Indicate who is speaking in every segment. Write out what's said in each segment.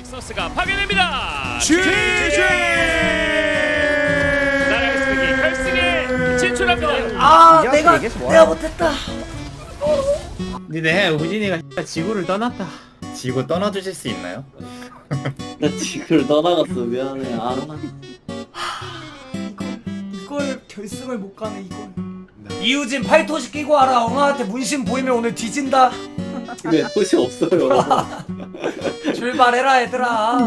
Speaker 1: 넥서스가 파괴됩니다.
Speaker 2: GG!
Speaker 1: 나라의 승리 결승에 진출합니다.
Speaker 3: 아 내가 못했다.
Speaker 4: 니네 우진이가 지구를 떠났다. 지구 떠나주실 수 있나요?
Speaker 3: 나 지구를 떠나갔어. 미안해. 아
Speaker 5: 이걸 결승을 못 가네 이걸. 이우진 팔토시 끼고 와라. 엉아한테 문신 보이면 오늘 뒤진다.
Speaker 3: 집에 옷이 없어요.
Speaker 5: 출발해라 얘들아.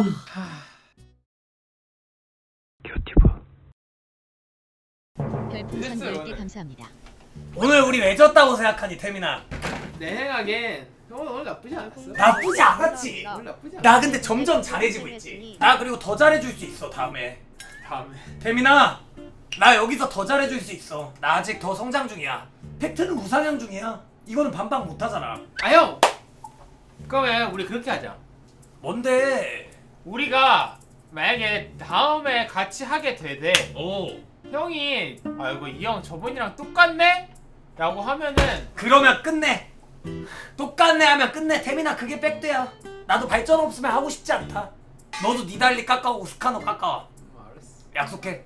Speaker 6: 별풍선 10개 감사합니다.
Speaker 5: 오늘 우리 왜 졌다고 생각하니 태민아?
Speaker 7: 내 생각엔 오늘 나쁘지 않았어.
Speaker 5: 나쁘지 않았지.
Speaker 7: 오늘 나쁘지 않았어.
Speaker 5: 나 근데 점점 잘해지고 있지. 나 그리고 더 잘해줄 수 있어 다음에. 태민아 나 여기서 더 잘해줄 수 있어. 나 아직 더 성장 중이야. 팩트는 우상향 중이야. 이거는 반박 못하잖아.
Speaker 7: 아 형. 그러면 우리 그렇게 하자.
Speaker 5: 뭔데?
Speaker 7: 우리가 만약에 다음에 같이 하게 되대.
Speaker 1: 오.
Speaker 7: 형이 아이고 이 형 저번이랑 똑같네? 라고 하면은
Speaker 5: 그러면 끝내. 똑같네 하면 끝내. 태민아 그게 팩트야. 나도 발전 없으면 하고 싶지 않다. 너도 니달리 깎아오고 스카노 깎아와.
Speaker 7: 알았어.
Speaker 5: 약속해.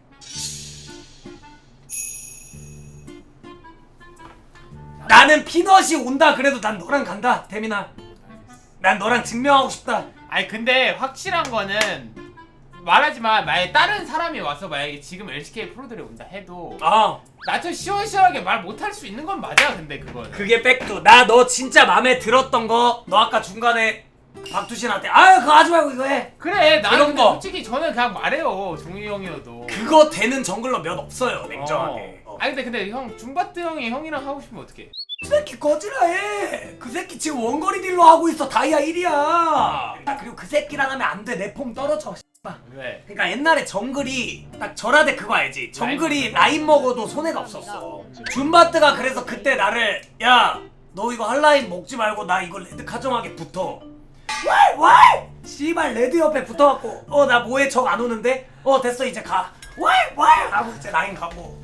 Speaker 5: 나는 피넛이 온다 그래도 난 너랑 간다 태민아. 난 너랑 증명하고 싶다.
Speaker 7: 아니 근데 확실한 거는 말하지만 만약에 다른 사람이 와서 만약에 지금 LCK 프로들이 온다 해도 나처럼 시원시원하게 말 못할 수 있는 건 맞아. 근데 그건
Speaker 5: 그게 팩트. 나 너 진짜 맘에 들었던 거 너 아까 중간에 박두신한테 아유 그거 하지 말고 이거 해.
Speaker 7: 그래 나는
Speaker 5: 그런
Speaker 7: 근데
Speaker 5: 거.
Speaker 7: 솔직히 저는 그냥 말해요. 종이 형이어도
Speaker 5: 그거 되는 정글러 몇 없어요 냉정하게.
Speaker 7: 아니 근데 형 줌바트 형이 형이랑 하고 싶으면 어떡해?
Speaker 5: 그 새끼 꺼지라 해. 그 새끼 지금 원거리 딜로 하고 있어. 다이아 1이야. 그리고 그 새끼랑 하면 안 돼. 내 폼 떨어져.
Speaker 7: 왜?
Speaker 5: 그러니까 옛날에 정글이 딱 절하대 그거 알지? 정글이 라인 먹어도 손해가 없었어. 줌바트가 그래서 그때 나를 야 너 이거 한라인 먹지 말고 나 이거 레드 카정하게 붙어. 왈! 씨발 레드 옆에 붙어갖고 나 뭐해 적 안 오는데? 됐어 이제 가. 왈! 하고 이제 라인 가고.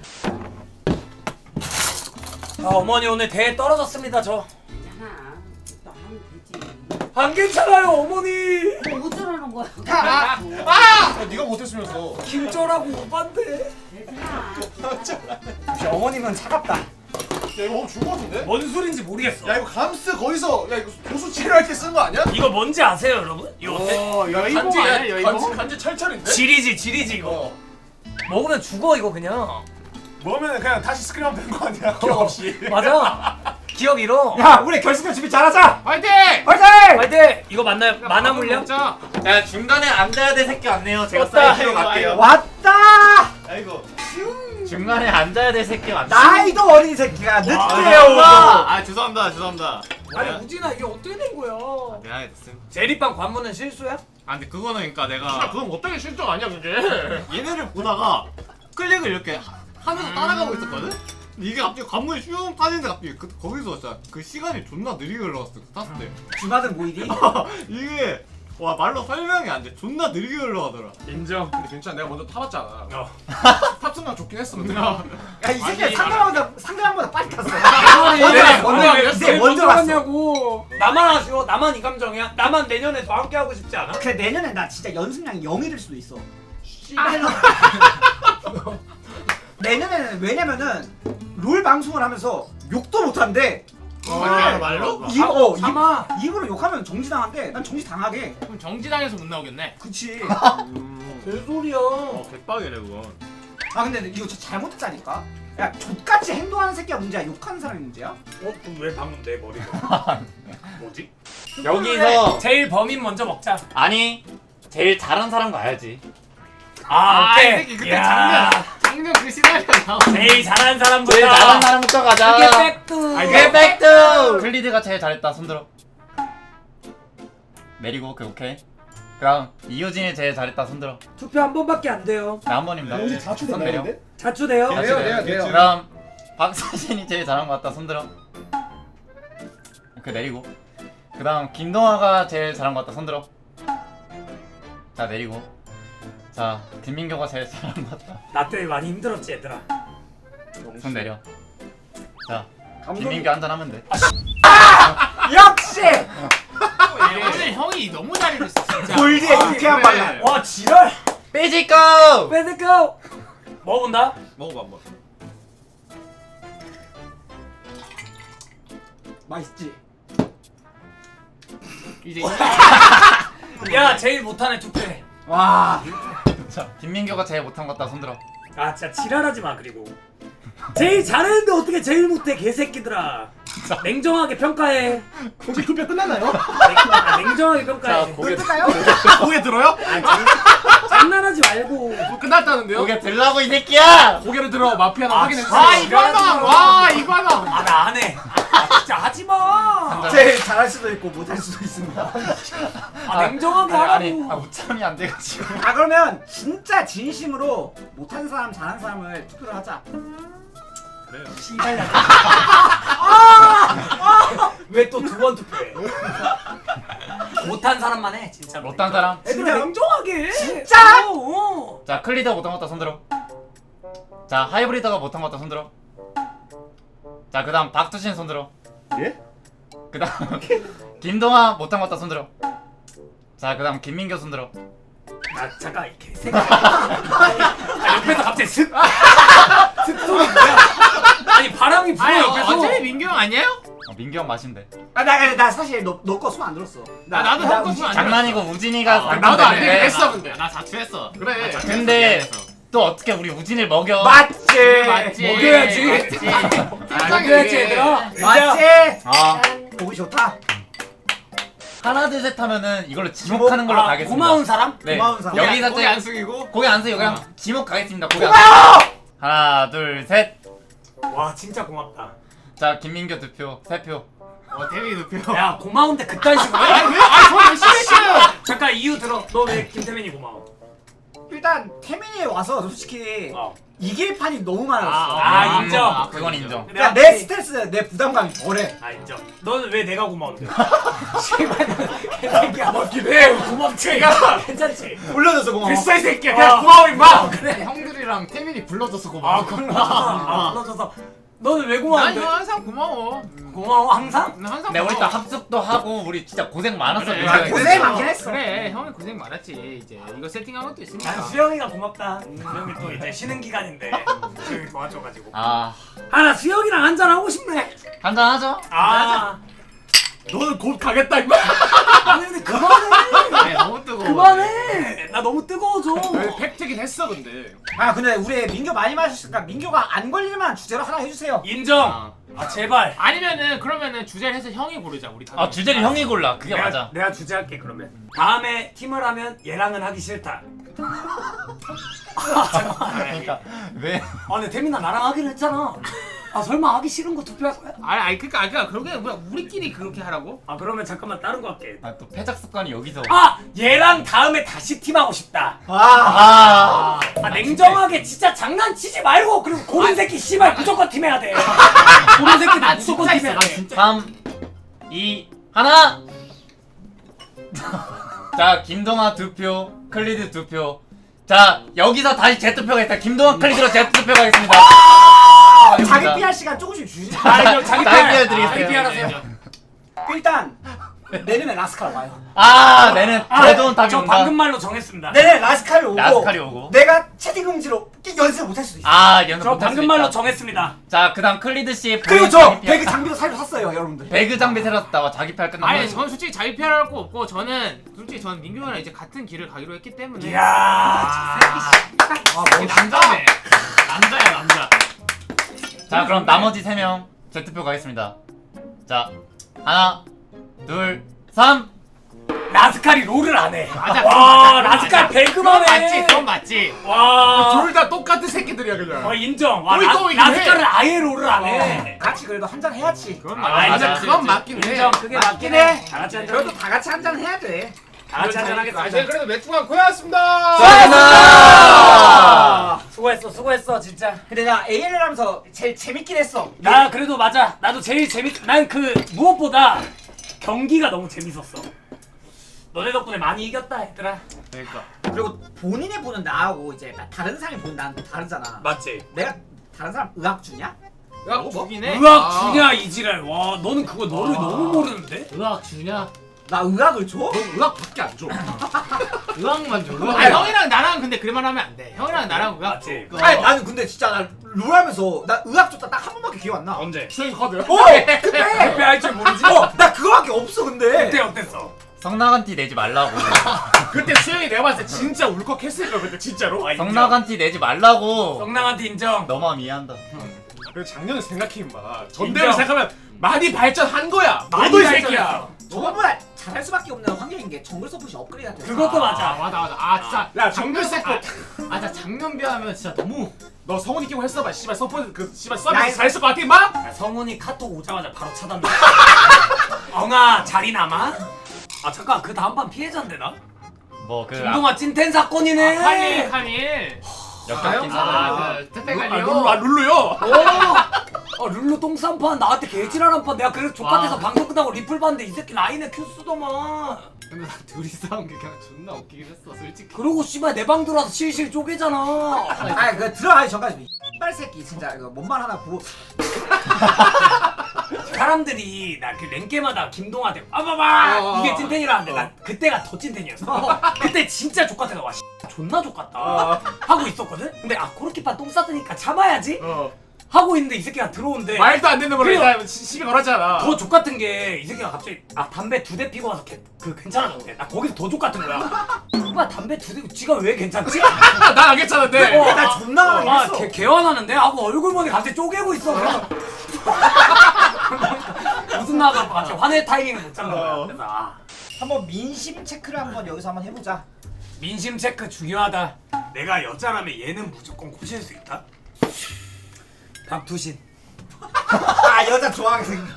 Speaker 5: 어머니 오늘 대회 떨어졌습니다 저.
Speaker 8: 괜찮아. 또 하면 되지.
Speaker 5: 안 괜찮아요 어머니.
Speaker 8: 어쩌라는 거야?
Speaker 2: 야, 네가 못했으면서.
Speaker 5: 김절하고 오반데.
Speaker 8: 괜찮아.
Speaker 5: 어머님은 차갑다.
Speaker 2: 야 이거 오늘 죽을 것 같은데?
Speaker 5: 뭔 소린지 모르겠어.
Speaker 2: 야 이거 감스 거기서 야 이거 도수 치료할 때 쓴 거 아니야?
Speaker 5: 이거 뭔지 아세요 여러분? 이거 어때?
Speaker 7: 여의봉 아니야 여의봉?
Speaker 2: 간지 철철인데?
Speaker 5: 지리지 이거. 먹으면 죽어 이거 그냥.
Speaker 2: 먹으면 그냥 다시 스크림하면 되는 거 아니야? 기억 없이.
Speaker 5: 맞아. 기억 잃어.
Speaker 4: 야 우리 결승전 준비 잘하자.
Speaker 7: 화이팅!
Speaker 5: 화이팅! 이거 맞나요? 만화 물량?
Speaker 7: 먹자.
Speaker 4: 야 중간에 앉아야 될 새끼 왔네요. 제가
Speaker 7: 떴다,
Speaker 4: 사이드로
Speaker 7: 이거,
Speaker 4: 갈게요.
Speaker 7: 이거.
Speaker 4: 왔다. 아이고. 중간에 앉아야 될 새끼 왔네.
Speaker 3: 나이도 어린 새끼가 늦게요.
Speaker 4: 아 죄송합니다.
Speaker 5: 아니 우진아 이게 어떻게 된 거야?
Speaker 4: 미안해 됐음.
Speaker 5: 제리빵 관문은 실수야?
Speaker 4: 아 근데 그거는 그러니까
Speaker 2: 아
Speaker 4: 내가
Speaker 2: 그건 어떻게 실적 아니야 그게?
Speaker 4: 얘네를 보다가 클릭을 이렇게 하면서 따라가고 있었거든? 근데 이게 갑자기 관문이 슝 빠지는데 갑자기 거기서 진짜 그 시간이 존나 느리게 흘러갔어 탔을 때
Speaker 3: 주마등 보이니?
Speaker 4: 이게 와 말로 설명이 안 돼. 존나 느리게 흘러가더라.
Speaker 2: 인정. 근데 괜찮아. 내가 먼저 타봤잖아. 탑승감 좋긴 했어. 근데.
Speaker 3: 야이 새끼 상대방보다 빨리 탔어.
Speaker 5: 먼저 갔냐고. 나만 아쉬워? 나만 이 감정이야? 나만 내년에 더 함께 하고 싶지 않아?
Speaker 3: 그래 내년에 나 진짜 연습량이 0이 될 수도 있어. 내년에는 왜냐면은 롤 방송을 하면서 욕도 못 한대.
Speaker 2: 말로?
Speaker 3: 입으로 욕하면 정지당한대. 난 정지당하게.
Speaker 7: 그럼 정지당해서 못 나오겠네.
Speaker 3: 그치.
Speaker 5: 개소리야.
Speaker 4: 백박이네 그건.
Speaker 3: 아 근데 이거 진짜 잘못했다니까. 야 족같이 행동하는 새끼가 문제야. 욕하는 사람이 문제야?
Speaker 5: 그럼 왜 방금 내 머리가? 뭐지?
Speaker 4: 여기서
Speaker 5: 제일 범인 먼저 먹자.
Speaker 4: 아니 제일 잘한 사람 가야지.
Speaker 5: 오케이.
Speaker 7: 이 새끼 그때 작년 그 시나리오 나오.
Speaker 5: 제일 잘하는 사람부터.
Speaker 4: 제일 잘한 사람부터 가자.
Speaker 5: 그게 팩트.
Speaker 4: 그게 팩트. 클리드가 제일 잘했다. 손들어. 내리고 오케이. 그럼 이효진이 제일 잘했다. 손들어.
Speaker 5: 투표 한 번밖에 안 돼요.
Speaker 4: 나 한 번입니다. 손 내려.
Speaker 5: 자추돼요.
Speaker 2: 돼요.
Speaker 4: 그럼 박서진이 제일 잘한 것 같다. 손들어. 오케이 내리고. 그 다음 김동화가 제일 잘한 것 같다. 손들어. 자 내리고. 자 김민교가 제일 잘한 것 같다.
Speaker 5: 나 때문에 많이 힘들었지 얘들아.
Speaker 4: 손 내려. 자 김민교 한잔 하면 돼.
Speaker 3: 역시.
Speaker 7: 오늘 형이 너무 잘해줬어 진짜.
Speaker 3: 골드에 유쾌한 발랄.
Speaker 5: 와 지랄.
Speaker 4: 빼지고.
Speaker 5: 빼드고. 먹어본다.
Speaker 2: 먹어봐 한번.
Speaker 3: 맛있지.
Speaker 7: 이제
Speaker 5: 야 제일 못하네 투표해.
Speaker 3: 와.
Speaker 4: 자, 김민규가 제일 못한 것 같다. 손들어.
Speaker 5: 아 진짜 지랄하지 마. 그리고 제일 잘했는데 어떻게 제일 못해 개새끼들아. 냉정하게 평가해.
Speaker 3: 혹시 투표 끝났나요?
Speaker 5: 냉정하게 평가해.
Speaker 4: 고개
Speaker 3: 끝나요?
Speaker 2: 고개 들어요?
Speaker 5: 장난하지 말고.
Speaker 2: 뭐 끝났다는데요?
Speaker 4: 고개 들라고 이 새끼야.
Speaker 2: 고개를 들어 마피아나 확인해주세요.
Speaker 7: 와 이거는 와 이거는.
Speaker 5: 아 나 안 해. 진짜 하지 마.
Speaker 3: 제일 잘할 수도 있고 못할 수도 있습니다.
Speaker 5: 냉정하게
Speaker 4: 아니,
Speaker 5: 하라고.
Speaker 4: 우참이 안 돼가지고.
Speaker 3: 아 그러면 진짜 진심으로 못한 사람 잘한 사람을 투표를 하자.
Speaker 2: 그래요.
Speaker 5: 왜 또 두 번 투표해? 못한 사람만 해 진짜.
Speaker 4: 못한 사람.
Speaker 5: 애들 냉정하게.
Speaker 3: 진짜?
Speaker 5: 어.
Speaker 4: 자, 클리더 못한 것 같다. 손들어. 자, 하이브리드가 못한 것 같다. 손들어. 자, 그다음 박두신 손들어.
Speaker 2: 예?
Speaker 4: 그다음 김동아 못한 것 같다. 손들어. 자, 그다음 김민규 손들어.
Speaker 5: 아 잠깐 이 개새끼. 아 옆에서 갑자기 슥 소리 뭐야? 아니 바람이 불어
Speaker 7: 아니
Speaker 5: 옆에서.
Speaker 7: 어차피 민규 형 아니에요?
Speaker 4: 민규 형 마신대.
Speaker 3: 나 사실 너 거 수만 안 들었어.
Speaker 7: 나도 형 거 수만 안
Speaker 4: 장난이고 우진이가
Speaker 2: 나도 안 되긴
Speaker 4: 당첨됐는데.
Speaker 2: 했어 근데.
Speaker 7: 나 자투했어.
Speaker 2: 그래.
Speaker 4: 근데 또 어떻게 우리 우진을 먹여?
Speaker 3: 맞지.
Speaker 7: 맞지.
Speaker 5: 먹여야지. 먹여야지 얘들아.
Speaker 3: 맞지.
Speaker 4: 아,
Speaker 3: 보기 좋다.
Speaker 4: 하나 둘 셋 하면은 이걸로 지목하는 걸로 가겠습니다.
Speaker 5: 고마운 사람?
Speaker 4: 네.
Speaker 3: 고마운 사람.
Speaker 4: 여기서
Speaker 2: 고개 안 숙이고.
Speaker 4: 고개 안 쓰고 그냥 지목 가겠습니다. 고개 안 쓰고. 하나 둘 셋.
Speaker 5: 와 진짜 고맙다.
Speaker 4: 자, 김민규 2표, 3표.
Speaker 7: 태민이 눕혀.
Speaker 5: 야 고마운데 그딴 식으로.
Speaker 7: 아저 열심히 했어요.
Speaker 5: 잠깐 이유 들어. 너 왜 김태민이 고마워?
Speaker 3: 일단 태민이 와서 솔직히
Speaker 5: 어.
Speaker 3: 이길 판이 너무 많았어.
Speaker 5: 아, 인정.
Speaker 4: 그건 인정.
Speaker 3: 그러니까 내 스트레스, 내 부담감이 덜해.
Speaker 5: 아 인정. 너는 왜 내가 고마운데? 개새끼야. 고맙긴 해. 고맙지. 괜찮지.
Speaker 3: 올려줘서 고마워.
Speaker 5: 됐어 이 새끼야. 그냥 고마워 임마. 그래.
Speaker 2: 형들이랑 태민이 불러줘서 고마워.
Speaker 5: 불러줘서. 너는 왜
Speaker 7: 난
Speaker 5: 고마운데?
Speaker 7: 형 항상 고마워.
Speaker 5: 고마워 항상?
Speaker 7: 난 항상
Speaker 4: 네, 우리 또
Speaker 7: 고마워.
Speaker 4: 합숙도 하고 우리 진짜 고생 많았어.
Speaker 7: 그래.
Speaker 4: 민규.
Speaker 3: 고생 많긴 했어.
Speaker 7: 그래 형이 고생 많았지. 이제 이거 세팅한 것도 있으니까.
Speaker 5: 난 수영이가 고맙다. 수영이 또 이제 쉬는 기간인데 수영이 도와줘가지고.
Speaker 4: 아,
Speaker 5: 나 수영이랑 한잔 하고 싶네.
Speaker 4: 한잔 하죠.
Speaker 2: 너는 곧 가겠다 임마.
Speaker 5: 아니 근데 그만해.
Speaker 7: 너무 뜨거워.
Speaker 5: 그만해. 나 너무 뜨거워져.
Speaker 2: 팩트긴 했어 근데.
Speaker 3: 아 근데 우리 민규 많이 마셨으니까 민규가 안 걸릴만한 주제로 하나 해주세요.
Speaker 5: 인정. 제발.
Speaker 7: 아니면은 그러면은 주제를 해서 형이 고르자 우리 다.
Speaker 4: 아, 주제를 형이 골라. 그게 맞아.
Speaker 5: 내가 주제할게 그러면. 다음에 팀을 하면 얘랑은 하기 싫다.
Speaker 4: 그러니까 왜?
Speaker 5: 근데 태민아 나랑 하기로 했잖아. 설마 하기 싫은 거 투표할 거야?
Speaker 7: 아니 그러니까 그러게 그냥 우리끼리 그렇게 하라고?
Speaker 5: 그러면 잠깐만 다른 거 할게.
Speaker 4: 아, 또 패작 습관이 여기서.
Speaker 5: 얘랑 다음에 다시 팀하고 싶다. 냉정하게 진짜 장난치지 말고 그리고 고른 새끼 씨발 무조건 팀해야 돼. 고른 새끼 나 무조건 팀해야 돼.
Speaker 4: 3, 2, 1. 자, 김동아 2표, 클리드 2표. 자, 여기서 다시 재투표가 있다. 김동아 클리드로 재투표가 있습니다.
Speaker 3: 자기 PR 시간 조금씩 주시죠.
Speaker 5: 자기
Speaker 4: PR 드리겠어요.
Speaker 5: 자기 PR 하세요.
Speaker 3: 일단 내년에 라스칼 와요.
Speaker 4: 내는 제도원 답이
Speaker 5: 저
Speaker 4: 온다.
Speaker 5: 방금 말로 정했습니다.
Speaker 3: 내년에 라스칼이 오고.
Speaker 4: 라스칼이 오고.
Speaker 3: 내가 채팅 금지로 연습 못할 수도 있어.
Speaker 4: 연습
Speaker 5: 저
Speaker 4: 못할 수
Speaker 5: 방금
Speaker 4: 있다.
Speaker 5: 말로 정했습니다.
Speaker 4: 자, 그다음 클리드 씨.
Speaker 3: 그리고 저 배그 장비도 새로 샀어요, 여러분들.
Speaker 4: 배그 장비 새로 샀다고 자기 PR 끝나면.
Speaker 7: 아니 저는 솔직히 자기 PR 할 거 없고 저는 민규 형이랑 이제 같은 길을 가기로 했기 때문에.
Speaker 5: 이야,
Speaker 7: 남자네. 남자야 남자.
Speaker 4: 자, 그럼 나머지 3명 재투표 가겠습니다. 자, 하나, 둘, 3.
Speaker 5: 라스칼이 롤을 안 해.
Speaker 7: 맞아.
Speaker 5: 와, 라스칼 배그만 해.
Speaker 7: 맞지 그건 맞지.
Speaker 5: 와,
Speaker 2: 둘 다 똑같은 새끼들이야 그냥.
Speaker 5: 인정. 와,
Speaker 2: 또 이긴
Speaker 5: 라스칼은 아예 롤을 안 해.
Speaker 3: 같이 그래도 한잔 해야지.
Speaker 7: 그건
Speaker 2: 맞아 그건 맞긴 해.
Speaker 5: 인정. 그게 맞긴 해. 다 같이 한잔.
Speaker 3: 그래도 다 같이 한잔 해야 돼.
Speaker 5: 다 같이 한잔 하겠습니다.
Speaker 7: 저희 그래도 맥주가 고였습니다.
Speaker 5: 수고했어 진짜.
Speaker 3: 근데 나 ALL 하면서 제일 재밌긴 했어.
Speaker 5: 나 그래도 맞아. 나도 제일 난 그 무엇보다 경기가 너무 재밌었어. 너네 덕분에 많이 이겼다 얘들아.
Speaker 7: 그러니까.
Speaker 3: 그리고 본인이 보는 나하고 이제 다른 사람이 보는 나는 또 다르잖아.
Speaker 5: 맞지?
Speaker 3: 내가 다른 사람 의학 주냐?
Speaker 7: 의학 주긴 해.
Speaker 5: 의학 주냐 이지랄. 와, 너는 그거 너를 너무 모르는데?
Speaker 7: 의학 주냐?
Speaker 3: 나 의학을 줘?
Speaker 2: 넌 의학밖에 안 줘.
Speaker 9: 의학만 줘.
Speaker 7: 아 형이랑 나랑 근데 그럴만 하면 안 돼. 형이랑 나랑 의학
Speaker 5: 맞지?
Speaker 3: 아니 나는 근데 진짜 나 롤하면서 나 의학 줬다 딱 한 번밖에 기억 안 나.
Speaker 9: 언제?
Speaker 2: 수행 카드.
Speaker 3: 그때
Speaker 5: 그때 할줄 모르지?
Speaker 3: 나 그거밖에 없어 근데.
Speaker 5: 그때 어땠어?
Speaker 4: 성나간 티 내지 말라고.
Speaker 2: 그때 수영이 내가 봤을 때 진짜 울컥했을 거야 그때 진짜로.
Speaker 4: 성나간 티 내지 말라고.
Speaker 5: 성남한테 인정.
Speaker 4: 너만 이해한다.
Speaker 2: 그래서 작년에 생각해봐.
Speaker 5: 인정.
Speaker 2: 전대로 생각하면 많이 발전한 거야.
Speaker 5: 많이
Speaker 2: 너도 이
Speaker 5: 발전했어.
Speaker 2: 새끼야.
Speaker 3: 저거보다 잘할 수밖에 없는 환경인 게 정글 서폿이 업그레이드 됐어.
Speaker 5: 그것도 맞아.
Speaker 9: 맞아. 아 진짜.
Speaker 2: 야 정글 세트.
Speaker 9: 아 진짜 작년 비하면 진짜 너무.
Speaker 2: 너 성훈이 끼고 했어봐. 씨발 서포트 그 씨발
Speaker 3: 야,
Speaker 2: 서비스 잘했을 것 같아 임마.
Speaker 5: 야, 성훈이 카톡 오자마자 바로 차단돼. 엉아 자리 남아? 아 잠깐 그 다음 판 피해자인데 나?
Speaker 4: 뭐그
Speaker 5: 김동아 찐텐 사건이네.
Speaker 7: 한일
Speaker 4: 역겹긴 하더라.
Speaker 7: 아그 택배
Speaker 2: 룰루
Speaker 7: 관리요.
Speaker 2: 아 룰루요.
Speaker 5: 오! 룰루 똥싼판 나한테 개지랄한 판 내가 그래서 족같아서
Speaker 9: 와.
Speaker 5: 방송 끝나고 리플 봤는데 이 새끼 라인에 큐 쓰더만.
Speaker 9: 근데 나 둘이 싸운 게 그냥 존나 웃기긴 했어 솔직히.
Speaker 5: 그러고 씨발 내 방 들어와서 실실 쪼개잖아.
Speaker 3: 아니 그 들어가기 전까지 이빨 새끼 진짜 이거 뭔 말 하나 보고.
Speaker 5: 사람들이 나 그 랭게마다 김동아한테 빠바바
Speaker 2: 어.
Speaker 5: 이게 찐텐이라는데 난 그때가 더 찐텐이었어. 그때 진짜 족같아서 와 존나 족같다 하고 있었거든. 근데 아 코르키판 똥 쌌으니까 참아야지 하고 있는데 이 새끼가 들어오는데
Speaker 2: 말도 안 되는 거를
Speaker 5: 그래요.
Speaker 2: 일단 시비 걸었잖아.
Speaker 5: 더 족같은 게 이 새끼가 갑자기 아 담배 2대 피고 와서 그 괜찮아졌대. 나 거기서 더 족같은 거야. 오빠 담배 2대 지가 왜 괜찮지?
Speaker 2: 난 안 괜찮은데.
Speaker 3: 나 존나
Speaker 5: 아
Speaker 3: 했어.
Speaker 5: 개화나는데 하고 얼굴 보니 갑자기 쪼개고 있어. 그래서 무슨 나가 갑자기 화낼 타이밍을 못 잡는 거야. 그래서 아
Speaker 3: 한번 민심 체크를 한번 여기서 한번 해보자.
Speaker 5: 민심 체크 중요하다. 내가 여자라면 얘는 무조건 꼬실 수 있다. 박투신.
Speaker 3: 아 여자 좋아하게 생겨.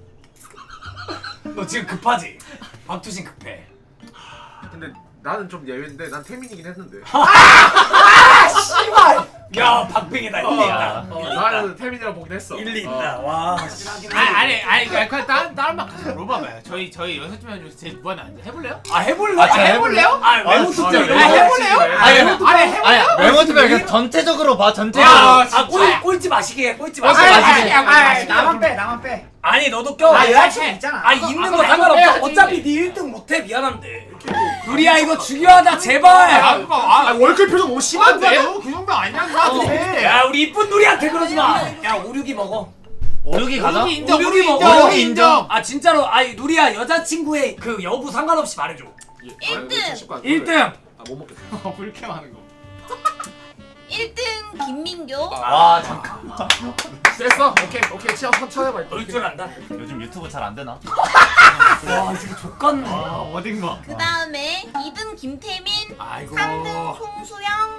Speaker 5: 너 지금 급하지? 박투신 급해.
Speaker 2: 근데 나는 좀 예외인데 난 태민이긴 했는데.
Speaker 3: 아 씨발.
Speaker 5: 야 박빙이다. 일리 있다.
Speaker 2: 나는 태민이랑 보긴 했어.
Speaker 5: 일리 있다. 와.
Speaker 7: 아니 그냥 다른 말 가서 물어봐봐요. 저희 6명 중에서 제일 무한한 해볼래요?
Speaker 5: 아 해볼래?
Speaker 4: 아, 진짜
Speaker 7: 해볼래요?
Speaker 5: 아 외모
Speaker 4: 진짜
Speaker 5: 투표
Speaker 2: 왜?
Speaker 7: 해볼래요?
Speaker 4: 아니
Speaker 7: 해볼래요?
Speaker 4: 외모투표 그냥 전체적으로 봐 전체적으로.
Speaker 5: 아 꼴찌 마시게 꼴찌 마시게.
Speaker 3: 나만 빼 나만 빼.
Speaker 5: 아니 너도 껴.
Speaker 3: 아 여자친구 있잖아.
Speaker 5: 아 있는 거
Speaker 7: 그래,
Speaker 5: 상관없어.
Speaker 7: 해야지.
Speaker 5: 어차피 네 1등 못해 미안한데. 누리야 이거 중요하다 제발.
Speaker 2: 아 월클 표정 너무 심한데?
Speaker 7: 그 정도 아니야.
Speaker 5: 야 우리 이쁜 누리한테 그러지 마. 야 오륙이 먹어.
Speaker 4: 오륙이 가자.
Speaker 7: 오륙이 인정.
Speaker 5: 오륙이
Speaker 7: 오륙이
Speaker 5: 먹어.
Speaker 7: 인정.
Speaker 4: 오륙이 인정.
Speaker 5: 아 진짜로 아니 누리야 여자친구의 그 여부 상관없이 말해줘.
Speaker 8: 1등.
Speaker 5: 1등.
Speaker 2: 아못 먹겠어.
Speaker 9: 불쾌하는 거.
Speaker 8: 1등 김민교.
Speaker 4: 와 잠깐만.
Speaker 2: 됐어. 오케이 치아 천천해봐.
Speaker 5: 놀 줄 안다.
Speaker 4: 요즘 유튜브 잘 안 되나?
Speaker 5: 와 이 새끼 족같네.
Speaker 9: 어딘가.
Speaker 8: 그 다음에 2등 김태민.
Speaker 5: 아이고.
Speaker 8: 3등 송수영.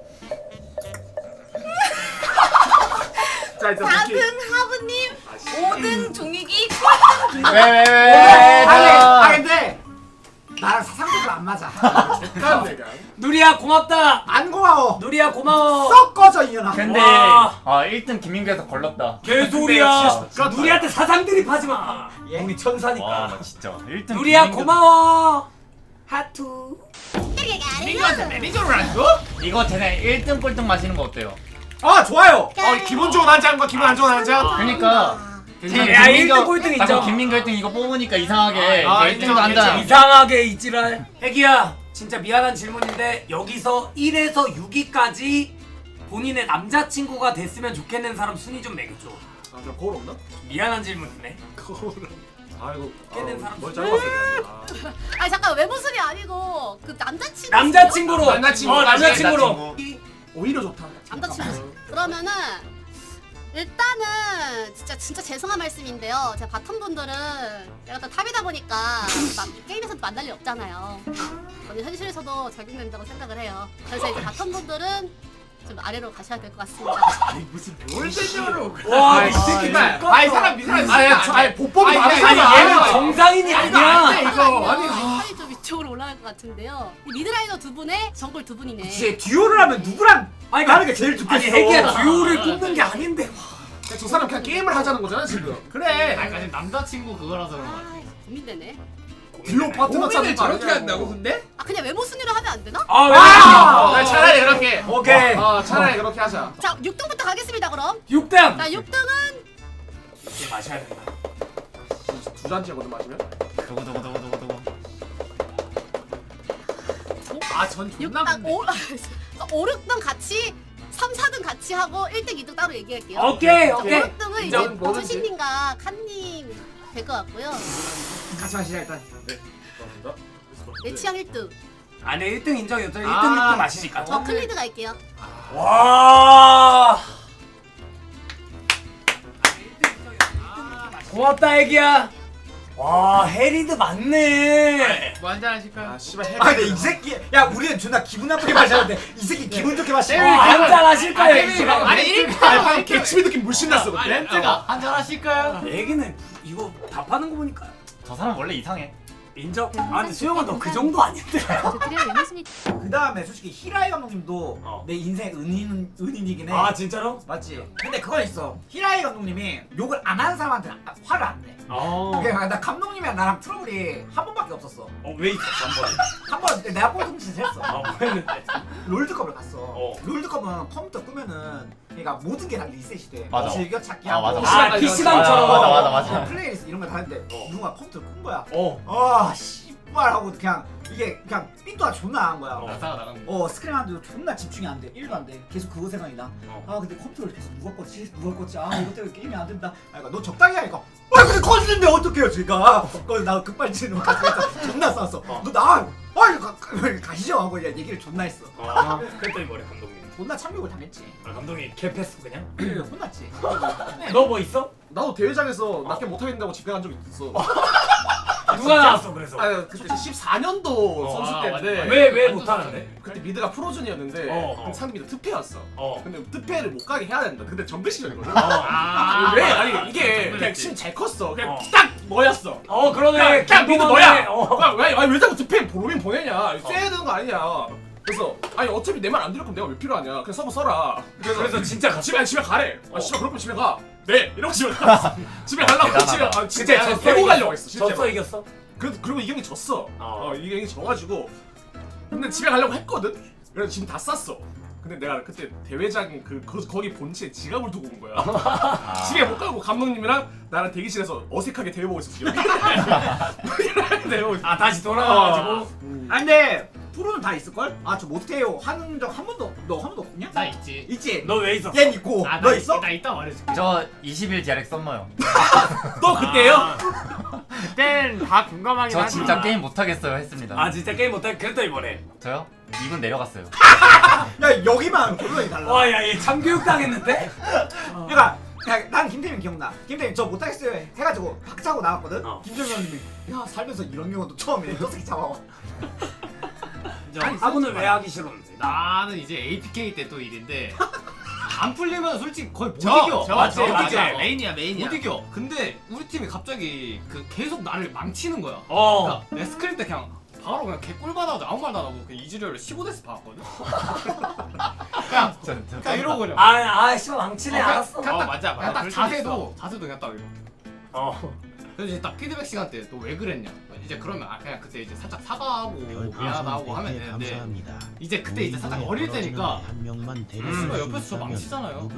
Speaker 2: 자 이제
Speaker 8: 4등 하부님. 5등 종익이.
Speaker 4: 왜?
Speaker 3: 아 근데 나랑 사상적으로 안 맞아.
Speaker 2: 잠깐 내가.
Speaker 5: 누리야 고맙다.
Speaker 3: 안 고마워.
Speaker 5: 누리야 고마워.
Speaker 3: 썩 꺼져 이년아.
Speaker 4: 근데
Speaker 5: 와.
Speaker 4: 1등 김민규에서 걸렸다.
Speaker 5: 개소리야.
Speaker 2: 진짜
Speaker 5: 누리한테 사상 드립하지 마.
Speaker 3: 예?
Speaker 5: 우리 천사니까.
Speaker 4: 와 진짜 1등
Speaker 5: 누리야 고마워. 하트.
Speaker 7: 민규한테 매니저를 안 줘?
Speaker 4: 이거 쟤네 1등 꼴등 마시는 거 어때요?
Speaker 3: 아 좋아요.
Speaker 2: 기분 좋은 한 잔과 기분 안 좋은 한 잔.
Speaker 4: 그러니까
Speaker 5: 야 1등 꼴등 인정.
Speaker 4: 자꾸 김민규 1등 이거 뽑으니까 이상하게
Speaker 2: 아,
Speaker 4: 1등도
Speaker 2: 인정,
Speaker 4: 한다.
Speaker 5: 이상하게 이지랄. 애기야 진짜 미안한 질문인데 여기서 1에서 6위까지 본인의 남자친구가 됐으면 좋겠는 사람 순위 좀 매겨줘.
Speaker 2: 아저 거울 없나?
Speaker 5: 미안한 질문이네.
Speaker 2: 거울. 아이고.
Speaker 5: 깨는 사람
Speaker 2: 뭘
Speaker 5: 수준.
Speaker 2: 짧았어.
Speaker 8: 아니 잠깐 외모 순위 아니고 그 남자친구.
Speaker 5: 남자친구로.
Speaker 2: 남자친구.
Speaker 5: 남자친구로.
Speaker 2: 오히려 좋다.
Speaker 8: 남자친구. 그러면은 일단은 진짜 죄송한 말씀인데요. 제가 바텀 분들은 내가 또 탑이다 보니까 막 게임에서도 만날 일 없잖아요. 저는 현실에서도 적용된다고 생각을 해요. 그래서 이제 바텀 분들은 좀 아래로 가셔야 될 것 같습니다.
Speaker 7: 뭘 대표로?
Speaker 5: 와이 새끼
Speaker 2: 정말.
Speaker 5: 족같다.
Speaker 7: 아이 사람 미사람.
Speaker 2: 아니 보법이
Speaker 7: 아니,
Speaker 2: 다르잖아.
Speaker 5: 얘는 정상인이 아니야.
Speaker 7: 이거 아니.
Speaker 8: 팔이 좀 이쪽으로 올라갈 것 같은데요. 이 미드라이너 두 분에 정글 두 분이네.
Speaker 3: 혹시 듀오를 하면 누구랑
Speaker 5: 아니
Speaker 3: 하는 게 제일 좋겠어.
Speaker 5: 아니 애기야 듀오를 꼽는 게 아닌데.
Speaker 2: 저 사람 그냥 게임을 하자는 거잖아 지금. 그래.
Speaker 9: 아까 남자친구 그거라서 그런 거 같아.
Speaker 8: 고민되네.
Speaker 2: 딜로 파트너 찾는 거
Speaker 7: 저렇게
Speaker 2: 아니냐고.
Speaker 7: 한다고 근데?
Speaker 8: 아 그냥 외모 순위로 하면 안 되나?
Speaker 5: 아
Speaker 2: 차라리 그렇게.
Speaker 3: 오케이.
Speaker 2: 차라리 그렇게 하자.
Speaker 8: 자 6등부터 가겠습니다 그럼.
Speaker 5: 6등.
Speaker 8: 자 6등은
Speaker 5: 이제 마셔야 된다.
Speaker 2: 두 잔째거든 마시면.
Speaker 4: 두고
Speaker 9: 아전
Speaker 8: 6,
Speaker 9: 존나
Speaker 8: 5, 6등 같이 3, 4등 같이 하고 1등, 2등 따로 얘기할게요.
Speaker 5: 오케이.
Speaker 8: 5, 6등은 이제
Speaker 9: 인정, 뭐든지.
Speaker 8: 주신님과 칸님 될 것 같고요.
Speaker 3: 같이 마시자 일단.
Speaker 8: 내 취향 1등.
Speaker 5: 아, 내 1등 인정이요. 저 1등
Speaker 9: 아,
Speaker 5: 6등 마시니까.
Speaker 8: 저 클리드 갈게요.
Speaker 5: 와. 고맙다 애기야. 와 해리드 맞네.
Speaker 7: 뭐 한잔 하실까요?
Speaker 2: 아 씨발 해.
Speaker 3: 아 근데 이 새끼 야 우리는 존나 기분 나쁘게 마셨는데 이 새끼 기분 좋게 마시네.
Speaker 5: 한잔 하실 거예요 이 시간.
Speaker 7: 아니 1등
Speaker 2: 방금 개치미 느낌 물씬 났어 그때.
Speaker 7: 렌트가 한잔 하실까요?
Speaker 5: 애기는 이거 답하는 거 보니까
Speaker 4: 저 사람 원래 이상해.
Speaker 5: 인정. 아 근데 수영아 너 그 정도 아닌데.
Speaker 6: 조트를 외모순위
Speaker 3: 그 다음에 솔직히 히라이 감독님도
Speaker 5: 어.
Speaker 3: 내 인생 은인이긴 해.
Speaker 5: 아 진짜로?
Speaker 3: 맞지? 근데 그건 있어. 히라이 감독님이 욕을 안 하는 사람한테 화를 안 내. 그러니까 나 감독님이랑 나랑 트러블이 한 번밖에 없었어.
Speaker 5: 왜 있었어 한 번?
Speaker 3: 한 번 내가 꼴통짓을 했어.
Speaker 5: 뭐 했는데?
Speaker 3: 롤드컵을 갔어. 롤드컵은 컴퓨터 끄면은 그러니까 모든 게 다 리셋이 돼.
Speaker 4: 맞아.
Speaker 3: 즐겨찾기
Speaker 4: 아,
Speaker 3: 하고.
Speaker 4: 맞아.
Speaker 5: 아 PC방처럼.
Speaker 4: 맞아.
Speaker 3: 플레이리스트 이런 거 다 했는데 누가 컴퓨터를 끈 거야.
Speaker 5: 어.
Speaker 3: 아 씨발 하고 그냥 이게 그냥 삔또가 존나 나간 거야.
Speaker 9: 나사가 나간 거.
Speaker 3: 스크린 하는데도 존나 집중이 안 돼. 1도 안 돼. 계속 그거 생각이 나. 아 근데 컴퓨터를 계속 누가 껐지? 아 이것 때문에 게임이 안 된다. 아 그러니까 너 적당히 하니까. 아 근데 꺼지는데 어떡해요 지가. 그래서 나 급발진으로 가서 존나 싸웠어. 너 나. 가시죠 하고 그냥 얘기를 존나 했어.
Speaker 5: 그랬더니 뭐래 감독님?
Speaker 3: 존나 참욕을 당했지.
Speaker 5: 아 감독님 개패스 그냥?
Speaker 3: 혼났지.
Speaker 5: 너 뭐 있어?
Speaker 2: 나도 대회장에서 낮게 못하겠다고 집행한 적 있어.
Speaker 5: 누가 나왔어 그래서?
Speaker 2: 아 그때 14년도 선수 때인데
Speaker 5: 왜 못하는데?
Speaker 2: 그때 미드가 프로즌이었는데 근데 상대 미드 특패였어. 근데 특패를 못 가게 해야 된다. 근데 정글 시절이거든. 왜? 아니 이게 그냥 심 잘 컸어. 그냥 딱 너였어.
Speaker 5: 그러네.
Speaker 2: 그냥 미드 너야.
Speaker 5: 어.
Speaker 2: 왜 자꾸 특패 보로민 보내냐? 쎄야 되는 거 아니냐? 그래서 아니 어차피 내 말 안 들을 거면 내가 왜 필요하냐? 그냥 서버 써라.
Speaker 5: 그래서 진짜 갔어?
Speaker 2: 집에 가래. 아 씨발 그럴 거면 집에 가. 네 이러고 집에 가. 집에 가려고
Speaker 4: 대단하다.
Speaker 2: 집에 진짜
Speaker 5: 졌어,
Speaker 2: 데리고
Speaker 5: 이겼어?
Speaker 2: 가려고 했어.
Speaker 5: 졌어 이겼어?
Speaker 2: 그리고 이경이 졌어. 이경이 져가지고 근데 집에 가려고 했거든. 그래서 지금 다 쌌어. 근데 내가 그때 대회장 거기 본체에 지갑을 두고 온 거야. 집에 못 가고 감독님이랑 나랑 대기실에서 어색하게 대회 보고 있었어.
Speaker 5: 아 다시 돌아와가지고.
Speaker 3: 아 근데 프로는 다 있을걸? 아 저 못해요 하는 적 한 번도 너 한 번도 없냐?
Speaker 9: 나 있지.
Speaker 3: 있지?
Speaker 5: 너 왜 있었어?
Speaker 3: 얜 있고
Speaker 9: 아,
Speaker 3: 너 있어?
Speaker 9: 나 이따 말해줄게.
Speaker 4: 저 20일 디렉 썸머요.
Speaker 5: 너 그때요?
Speaker 7: 그땐 다 공감하긴
Speaker 4: 저
Speaker 7: 하지.
Speaker 4: 진짜 게임 못하겠어요 했습니다.
Speaker 5: 아 진짜 게임 못해? 그랬더니 뭐래?
Speaker 4: 저요? 2분 내려갔어요.
Speaker 3: 야 여기만 결론이 달라.
Speaker 5: 와야 얘 참교육 당했는데?
Speaker 3: 그러니까 난 김태민 기억나. 김태민 저 못하겠어요 해가지고 박차고 나왔거든. 김정현 형님이 야 살면서 이런 경우도 처음이네. 저 새끼 잡아와.
Speaker 5: 아니 사고는 왜 하기 싫었는데?
Speaker 9: 나는 이제 APK 때 또 일인데 안 풀리면 솔직히 거의 못
Speaker 7: 저,
Speaker 9: 이겨.
Speaker 7: 저,
Speaker 9: 맞지?
Speaker 7: 저,
Speaker 9: 맞지?
Speaker 7: 맞아.
Speaker 9: 메인이야. 못 이겨. 근데 우리 팀이 갑자기 계속 나를 망치는 거야.
Speaker 5: 어.
Speaker 9: 그러니까 내 스크린 때 그냥 바로 그냥 개꿀 받아가지고 아무 말도 안 하고 그냥 이즈리얼을 15대스 박았거든. 그냥 이러고 그냥.
Speaker 5: 아 씨발 망치네 알았어.
Speaker 9: 그냥 딱,
Speaker 7: 맞아.
Speaker 9: 그냥 딱
Speaker 7: 그럴 수
Speaker 9: 자세도 그냥 딱 이렇게.
Speaker 5: 어.
Speaker 9: 그래서 이제 딱 피드백 시간 때 너 왜 그랬냐? 이제 그러면 그냥 그때 이제 살짝 사과하고 미안하고 하면 되는데 이제 그때 이제 살짝 어릴 때니까 씨발 옆에서 저 망치잖아요.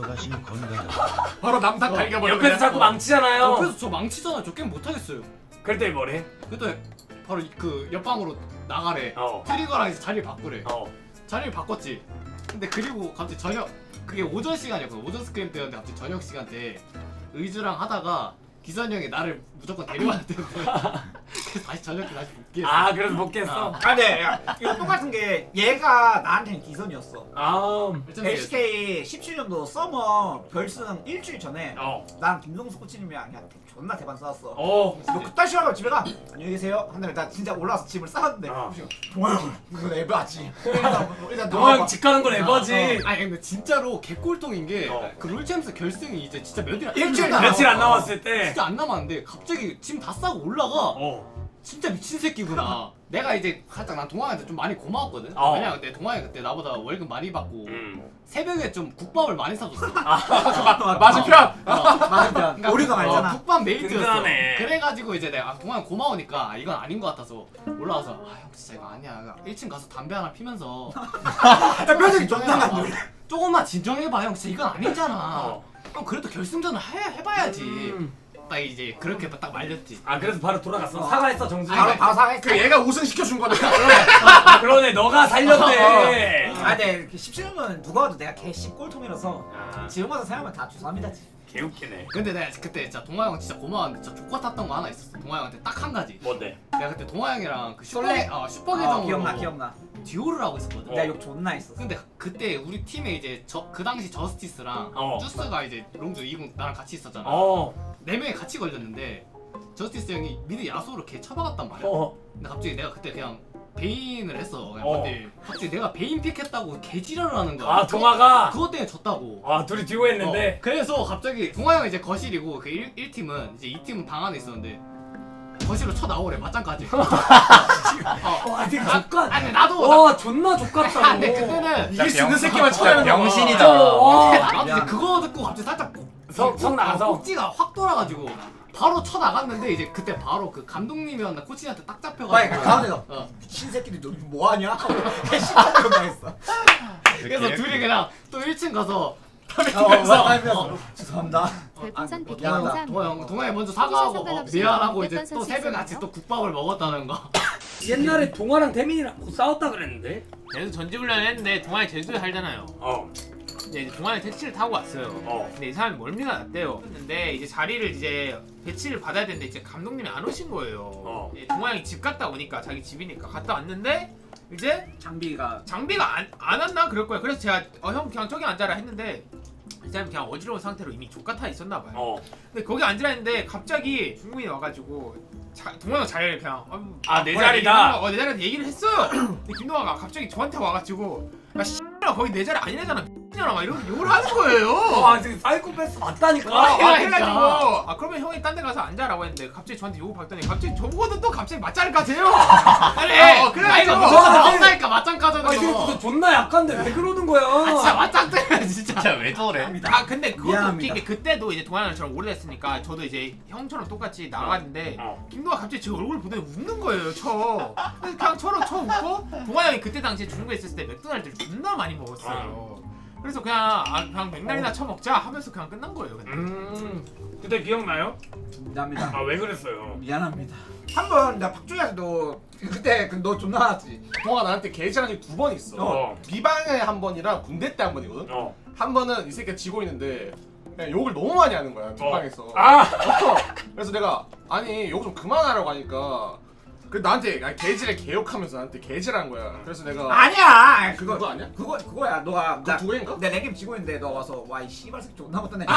Speaker 2: 바로 남탕 갈겨버려.
Speaker 5: 옆에서 자꾸 망치잖아요.
Speaker 9: 옆에서 저 망치잖아요. 저 게임 못 하겠어요.
Speaker 5: 그랬더니 뭐래?
Speaker 9: 그때 바로 그 옆방으로 나가래. 트리거랑 이제 자리를 바꾸래. 자리를 바꿨지. 근데 그리고 갑자기 저녁 그게 오전 시간이었거든. 오전 스크림 때였는데 갑자기 저녁 시간 때 의주랑 하다가 기선 형이 나를 무조건 데려와야 되는데 그래서 다시 저녁에 다시 복귀했어.
Speaker 5: 아 그래서 못 깼어?
Speaker 3: 아 근데 야, 이거 똑같은 게 얘가 나한테는 기선이었어.
Speaker 5: 아
Speaker 3: LCK 17년도 서머 결승 일주일 전에 나랑 김동수 코치님이랑 그냥 존나 대반 싸웠어. 너 그딴 시간에 집에 가. 안녕히 계세요. 한 다음에 나 진짜 올라와서 짐을 싸웠는데 동아형 이거 에바지. 일단
Speaker 5: 동아형 집 가는 건 에버지.
Speaker 9: 아니 근데 진짜로 개꼴통인 게 그 롤챔스 결승이 이제 진짜
Speaker 3: 일주일
Speaker 5: 며칠 안 남았을 때
Speaker 9: 진짜 안 남았는데 갑자기 짐 다 싸고 올라가. 진짜 미친 새끼구나. 내가 이제 살짝 난 동아한테 좀 많이 고마웠거든. 왜냐면 그때 동아이 그때 나보다 월급 많이 받고 새벽에 좀 국밥을 많이 사줬어.
Speaker 2: 맞은편.
Speaker 3: 맞은편. 우리가 말잖아.
Speaker 9: 국밥 메이트였어.
Speaker 5: 든든하네.
Speaker 9: 그래가지고 이제 내가 동아형 고마우니까 이건 아닌 것 같아서 올라와서 아 형 진짜 이거 아니야. 1층 가서 담배 하나 피면서
Speaker 3: 야 표정이 존나 간다.
Speaker 9: 조금만 진정해봐 형. 진짜 이건 아니잖아. 형 그래도 결승전을 해봐야지. 딱 이제 그렇게 딱 말렸지.
Speaker 5: 아 그래서 바로 돌아갔어. 사과했어 정준이.
Speaker 3: 바로 사과했어.
Speaker 2: 그 얘가 우승 시켜준 거네.
Speaker 5: 아 그러네 너가 살렸네.
Speaker 3: 아 근데 17은 누가 와도 내가 개 꼴통이라서
Speaker 5: 아,
Speaker 3: 지금 와서 생각하면 다 죄송합니다.
Speaker 5: 개웃기네.
Speaker 9: 근데 내가 그때 진짜 동아 형 진짜 고마웠는데 진짜 족같았던 거 하나 있었어. 동아 형한테 딱 한 가지.
Speaker 5: 뭔데?
Speaker 9: 내가 그때 동아 형이랑 그
Speaker 3: 솔레?
Speaker 9: 슈퍼 계정으로
Speaker 3: 기억나.
Speaker 9: 듀오를 하고 있었거든.
Speaker 3: 내가 욕 존나 했었어.
Speaker 9: 근데 그때 우리 팀에 이제 그 당시 저스티스랑 쭈스가 이제 롱주 이군 나랑 같이 있었잖아. 네 명이 같이 걸렸는데 저스티스 형이 미드 야소로 걔 쳐박았단 말이야. 근데 갑자기 내가 그때 그냥 베인을 했어. 근데 갑자기 내가 베인 픽했다고 개지랄을 하는 거야.
Speaker 5: 아 동아가.
Speaker 9: 그것 때문에 졌다고.
Speaker 5: 아 둘이 듀오 했는데.
Speaker 9: 그래서 갑자기 동아 형은 이제 거실이고 그 1팀은 이제 2팀은 방 안에 있었는데 거실로 쳐나오래 맞짱까지.
Speaker 5: 와 되게 족같.
Speaker 9: 아니 나도
Speaker 5: 와 존나 족같다.
Speaker 9: 아, 근데 그때는
Speaker 2: 이길 수 있는 새끼만 쳐야
Speaker 4: 병신이다.
Speaker 9: 나도 이제 그거 듣고 갑자기 살짝
Speaker 5: 성 나가서.
Speaker 9: 꼭지가 확 돌아가지고 바로 쳐 나갔는데 이제 그때 바로 그 감독님이었나 코치한테 딱
Speaker 3: 빨리
Speaker 9: 잡혀가지고
Speaker 3: 가운데서 미친 새끼들 너 뭐하냐? 개심하고 당했어.
Speaker 9: 그래서 둘이 그냥 또 1층 가서
Speaker 3: 죄송합니다.
Speaker 6: 별풍선 100개
Speaker 3: 미안하다.
Speaker 6: 감사합니다.
Speaker 9: 동아 형 먼저 사과하고
Speaker 6: 상관없이
Speaker 9: 미안하고 이제
Speaker 6: 어떤
Speaker 9: 또 새벽에
Speaker 6: 선수
Speaker 9: 같이 또 국밥을 먹었다는 거.
Speaker 5: 옛날에 동아랑 태민이랑 싸웠다 그랬는데.
Speaker 7: 그래서 전지훈련을 했는데 동아이 제주도에 살잖아요.
Speaker 5: 어.
Speaker 7: 근데 이제 동아이 택시를 타고 왔어요. 근데 이 사람이 멀미가 났대요. 근데 이제 자리를 이제 배치를 받아야 되는데 이제 감독님이 안 오신 거예요. 이제 동아이 집 갔다 오니까 자기 집이니까 갔다 왔는데 이제
Speaker 3: 장비가
Speaker 7: 안 왔나 그럴 거야. 그래서 제가 형 그냥 저기 앉아라 했는데 이 사람이 그냥 어지러운 상태로 이미 족같아 있었나 봐요. 근데 거기 앉으라 했는데 갑자기 중국인이 와가지고 동아가 잘 그냥
Speaker 5: 내 자리다.
Speaker 7: 내 자리다 얘기를 했어요. 근데 김동아가 갑자기 저한테 와가지고 야 씨X야 거기 내 자리 아니래잖아 X냐나 막 이런 욕을 하는 거예요.
Speaker 5: 아 지금 사이코패스 맞다니까.
Speaker 7: 해가지고 그러면 형이 딴 데 가서 앉아라고 했는데 갑자기 저한테 욕을 받더니 갑자기 저보고도 또 갑자기 맞짱을 까세요. 그래 그래가지고
Speaker 9: 맞다니까 맞짱 까자는
Speaker 5: 아 지금
Speaker 9: 거.
Speaker 5: 그거 존나 약한데 왜 그러는 거야?
Speaker 9: 진짜 맞짱 때려 진짜.
Speaker 4: 진짜 왜 저래?
Speaker 7: 근데 그것도
Speaker 3: 미안합니다.
Speaker 7: 웃긴 게 그때도 이제 동아형이 저랑 오래됐으니까 저도 이제 형처럼 똑같이 나갔는데 김동아 갑자기 제 얼굴 보더니 웃는 거예요 그래서 그냥 쳐 웃고 동아형이 그때 당시에 중국에 있었을 때 맥도날드를 존나 많이 먹었어요. 그래서 그냥 그냥 맥날이나 쳐먹자 하면서 그냥 끝난 거예요.
Speaker 5: 그때 기억나요?
Speaker 3: 미안합니다.
Speaker 5: 아 왜 그랬어요?
Speaker 3: 미안합니다. 한번 나 박주희한테도 그때 너 존나 화났지.
Speaker 2: 동아 나한테 개지한 적이 2번 있어. 비방에 한 번이랑 군대 때 한 번이거든. 한 번은 이 새끼가 지고 있는데 그냥 욕을 너무 많이 하는 거야 뒷방에서. 그래서 내가 아니 욕 좀 그만하라고 하니까 그 나한테 개질에 개욕하면서 나한테 개질한 거야. 그래서 내가
Speaker 3: 아니야.
Speaker 2: 그거 아니야?
Speaker 3: 그거야. 너가
Speaker 2: 그거 두 개인가?
Speaker 3: 내 랭겜 지고 있는데 너 와서 와 이 씨발 새끼 존나 못하네.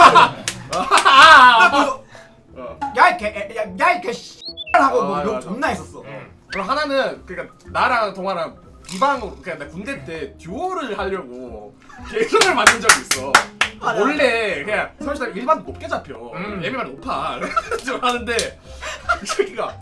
Speaker 3: 야이개 씨발하고 뭐욕 존나 했었어.
Speaker 2: 그럼 하나는 그러니까 나랑 동아랑 비방으로 그러니까 나 군대 때 듀오를 하려고 개선을 만든 적이 있어. 원래 그냥 서울시당 일반 높게 잡혀. 예비만 높아. 그래서 하는데 이 새끼가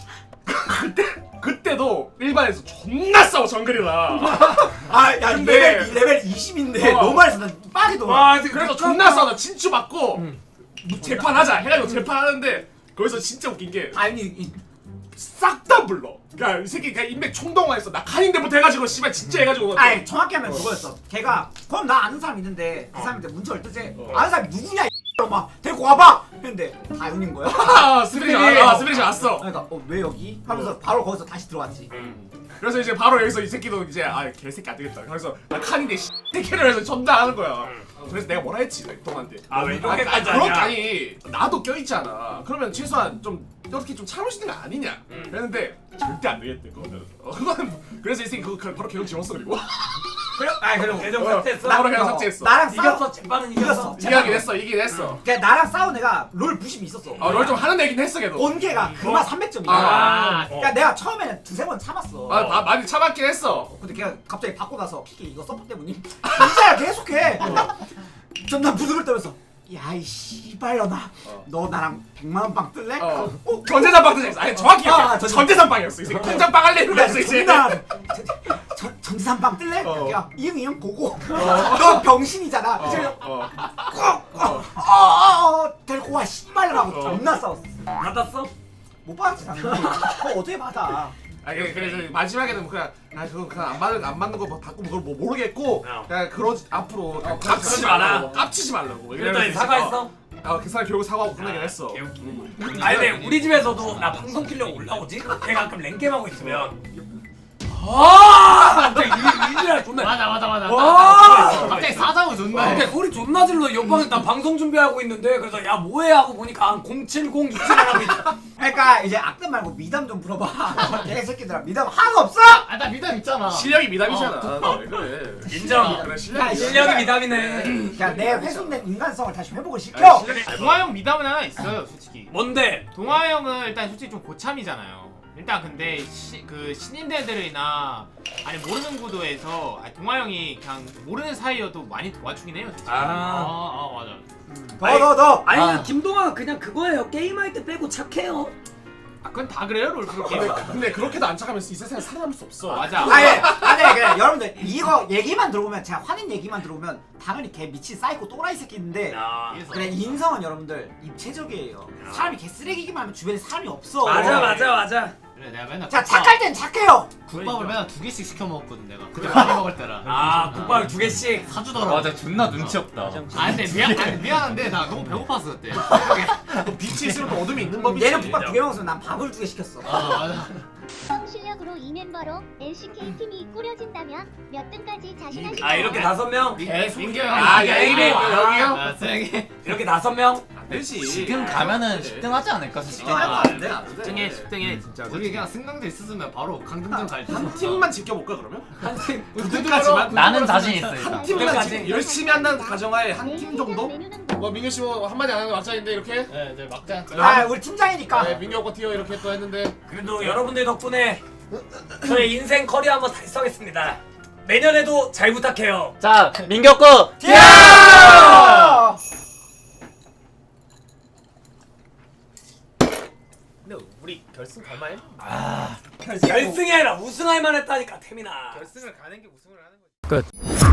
Speaker 2: 그때도 일반에서 존나 싸워 정글이랑.
Speaker 3: 야
Speaker 2: 근데-
Speaker 3: 레벨 20인데 너무 해서 난 빡이 돌아.
Speaker 2: 와 그래서 존나 싸워. 나 친추 받고 재판하자 해가지고 재판하는데 거기서 진짜 웃긴 게
Speaker 3: 아니
Speaker 2: 싹 다 불러. 그러니까 이 새끼 그냥 인맥 총동화했어. 나 칸인데부터 해가지고 씨발 진짜 해가지고.
Speaker 3: 아니 정확히 하면 그거였어. 걔가 그럼 나 아는 사람 있는데 그 사람한테 문자를 뜨지. 아는 사람이 누구냐 막 데리고 와봐 했는데 다윤인 거야.
Speaker 2: 스피릿이 왔어.
Speaker 3: 그러니까 왜 여기? 하면서 바로 거기서 다시 들어왔지.
Speaker 2: 그래서 이제 바로 여기서 이 새끼도 이제 개새끼 안 되겠다. 그래서 나 칸인데 새끼를 해서 전달하는 거야. 그래서 내가 뭐라 했지 동한테.
Speaker 5: 왜 이렇게까지
Speaker 2: 그렇게
Speaker 5: 하냐?
Speaker 2: 아니 나도 껴있잖아. 그러면 최소한 좀 이렇게 좀 참을 수 있는 거 아니냐. 그랬는데 절대 안 되겠대 그거는. 그거는 그래서 이 새끼 그거 바로 개운 지웠어 그리고.
Speaker 3: 그리고
Speaker 5: 계정 삭제했어?
Speaker 2: 바로 그냥 삭제했어.
Speaker 3: 나랑
Speaker 5: 이겼어 재판은 이겼어.
Speaker 2: 이기긴 했어.
Speaker 3: 걔 나랑 싸운 애가 롤 부심이 있었어.
Speaker 2: 널 좀 하는 애긴 했어 걔도.
Speaker 3: 본계가 그만 300점이야.
Speaker 2: 아.
Speaker 3: 그러니까 내가 처음에는 2-3번 참았어.
Speaker 2: 많이 참았긴 했어.
Speaker 3: 근데 걔가 갑자기 받고 나서 피게 이거 서포 때문에 진짜야 계속해. 존나 부드를 떨면서 야이 씨발려나 너 나랑 100만원 빵 뜰래?
Speaker 2: 전재산 빵 뜨자. 아니 정확히
Speaker 3: 전재산.
Speaker 2: 전재산 빵이었어. 이 새끼 통장 빵 할래 이러면서 이제.
Speaker 3: 전지산 빵 뜰래? 야 이응 보고 너 병신이잖아. 데리고 와 씨발려라고 존나 싸웠어.
Speaker 5: 받았어?
Speaker 3: 못 받았지 당연히. 그거 어떻게 받아?
Speaker 2: 그래서 마지막에는 그냥 그거 그냥 안 맞는 거 받고 그걸 뭐 모르겠고 그냥 앞으로
Speaker 5: 깝치지 마라.
Speaker 2: 깝치지 말라고.
Speaker 5: 그랬더니 사과했어?
Speaker 2: 계산 결국 사과하고 끝나긴 했어.
Speaker 5: 아니 근데 우리 집에서도 나 방송 키려고 올라오지? 내가 가끔 랭겜 하고 있으면 갑자기 이지랄 존나
Speaker 9: 맞아.
Speaker 5: 와!
Speaker 9: 갑자기 사자고 존나 해.
Speaker 5: 근데 소리 존나 질러. 옆방에 나 방송 준비하고 있는데 그래서 야 뭐해 하고 보니까 한 070 이지랄하고 있다.
Speaker 3: 그러니까 이제 악담 말고 미담 좀 물어봐. 내 새끼들아 미담 하나도 없어?
Speaker 9: 나 미담 있잖아.
Speaker 2: 실력이 미담이잖아. 왜 그래?
Speaker 5: 인정.
Speaker 2: 그래
Speaker 3: 야,
Speaker 2: 실력이.
Speaker 5: 실력이 미담이네.
Speaker 3: 야, 내 훼손된 인간성을 다시 회복을 시켜.
Speaker 7: 동아 형 미담은 하나 있어요, 솔직히.
Speaker 5: 뭔데?
Speaker 7: 동아 형은 일단 솔직히 좀 고참이잖아요. 일단 근데 그 신인대들이나 아니 모르는 구도에서 동아 형이 그냥 모르는 사이여도 많이 도와주긴 해요. 솔직히.
Speaker 9: 맞아.
Speaker 3: 더.
Speaker 5: 아니 김동완 그냥 그거예요. 게임할 때 빼고 착해요.
Speaker 7: 그건 다 그래요, 롤프로 게임.
Speaker 2: 근데 그렇게도 안 착하면 이 세상에 살아남을 수 없어.
Speaker 7: 맞아.
Speaker 3: 아니 그래 여러분들 이거 얘기만 들어보면 제가 화낸 얘기만 들어보면 당연히 걔 미친 사이코 또라이 새끼인데 그래 인성은 여러분들 입체적이에요. 사람이 개 쓰레기기만 하면 주변에 사람이 없어.
Speaker 5: 맞아.
Speaker 9: 그래 내가 맨날
Speaker 3: 자 착할 땐 착해요.
Speaker 9: 국밥을 맨날 2개씩 시켜 먹었거든 내가. 그때 많이 먹을 때라.
Speaker 5: 국밥을 2개씩
Speaker 9: 사주더라고.
Speaker 4: 맞아 존나 눈치 없다.
Speaker 9: 근데 미안한데 나 너무 배고팠어 그때.
Speaker 2: 빛이 있으면 또 어둠이 있는 법이지.
Speaker 3: 얘는 국밥 2개 먹었으면 난 밥을 2개 시켰어.
Speaker 9: 맞아.
Speaker 6: 실력으로 이 멤버로 LCK 팀이 꾸려진다면 몇 등까지 자신하시나요?
Speaker 5: 아 이렇게 5명?
Speaker 9: 민규 형.
Speaker 5: 여기요?
Speaker 9: 쓰레기.
Speaker 5: 이렇게 5명?
Speaker 2: 안 되지.
Speaker 4: 지금 가면은 10등 하지 않을까 솔직히.
Speaker 3: 안 돼.
Speaker 7: 10등에 진짜.
Speaker 9: 우리 그냥 승강제 있었으면 바로 강등전 갈지.
Speaker 2: 한 팀만 지켜볼까 그러면?
Speaker 9: 한팀
Speaker 2: 그때까지만.
Speaker 4: 나는 자신 있어 일단.
Speaker 2: 팀만
Speaker 5: 그때까지.
Speaker 2: 열심히 한다는 가정하에 한 팀 정도?
Speaker 6: 뭐
Speaker 2: 민규 씨 뭐 한마디 안 하는 막장인데 이렇게?
Speaker 9: 네, 이제 막장.
Speaker 3: 아 우리 팀장이니까.
Speaker 2: 민규 오빠 뛰어 이렇게 또 했는데.
Speaker 5: 그래도 여러분들 덕분에 저의 인생 커리어 한번 달성했습니다. 내년에도 잘 부탁해요.
Speaker 4: 자 민규
Speaker 3: 야!
Speaker 1: 근데 우리 결승 갈만해?
Speaker 5: 결승이 아니라 우승할 만했다니까 태민아.
Speaker 1: 결승을 가는 게 우승을 하는 거지.